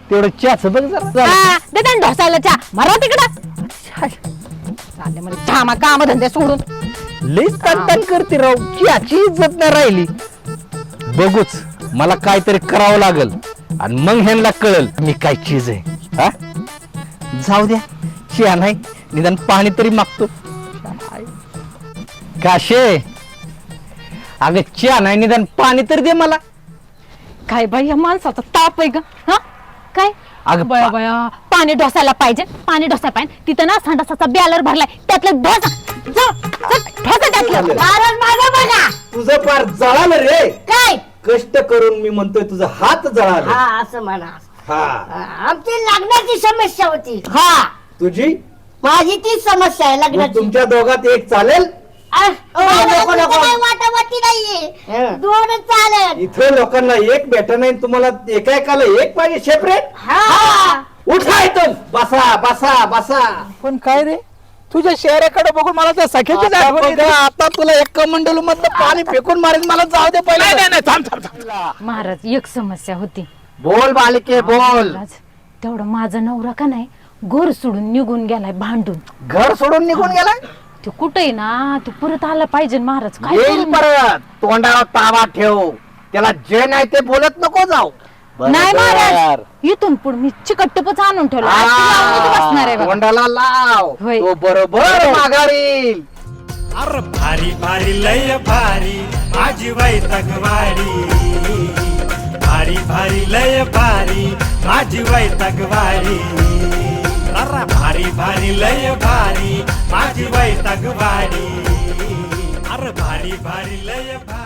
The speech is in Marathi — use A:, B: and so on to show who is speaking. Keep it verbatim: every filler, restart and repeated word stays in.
A: तेवढं चहाच बघ जरा
B: हा, दे त्यांना ढोसायला चहा मारा तिकडं चालले मला थांबा काम धंदे सोडून.
A: लई तन करते राव, चहाची इज्जत नाही राहिली. बघूच मला काहीतरी करावं लागल आणि मग ह्यांना कळल मी काय चीज आहे. हा जाऊ द्या, चहा नाही निदान पाणी तरी मागतो. काशे अगं चहा नाही निदान पाणी तरी दे मला.
B: काय बाई या माणसाचा ताप आहे ग. हा काय
A: अगं
B: बया
A: पा-
B: बया पाणी ढोसायला पाहिजे, पाणी ढोसायला पाहिजे. तिथं ना संडासाचा बॅलर भरलाय, त्यातलं ढोसा जा, जा, ढोसा त्यातलं.
C: कारण माझं बघा
D: तुझं पार जळालं रे.
C: काय
D: कष्ट करून मी म्हणतोय तुझा हात जळाला.
C: हा असं म्हणा.
D: हा
C: आमची लग्नाची समस्या होती.
D: हा तुझी
C: माझी ती समस्या आहे
D: मग
C: लग्नाची.
D: तुमच्या दोघात एक चालेल.
C: अ, नको नको वाटावाटी नाहीये, दोनच चालेल.
D: इथं लोकांना एक भेटा नाही, तुम्हाला एका एकाला एक पाहिजे सेपरेट.
C: हा
D: उठा इथून, बसा बसा बसा.
A: पण काय रे तुझ्या शहराकडे बघून मला त्या सख्याची
D: आता
A: आठवण येते.
D: बघ, आता तुला एक कमंडलू मधलं पाणी फेकून मारेन. मला जाऊ दे पहिले.
A: नाही नाही थांब थांब थांब.
B: महाराज एक समस्या होती.
D: बोल बालिके बोल.
B: महाराज, तेवढं माझा नवरा का नाही घर सोडून निघून गेलाय भांडून.
D: घर सोडून निघून गेलाय.
B: ते कुठे ना ते परत आला पाहिजे महाराज. काय
D: येईल
B: करू?
D: परत. तोंडावर ताबा ठेव. त्याला जे नाही ते बोलत नको जाऊ.
B: नाही महाराज, इथून पुढे मी चिकटपच आणून ठेवला. आज ती लावून इथं बसणार आहे बघा.
D: तोंडाला लाव.
B: होय.
D: तो बरोबर माघारील.
E: अर भारी भारी लय भारी माझी वैतकवाडी. भारी भारी लय भारी माझी वैतकवाडी. अर भारी भारी लय भारी माझी वैतकवाडी. अर भारी भारी लय भारी.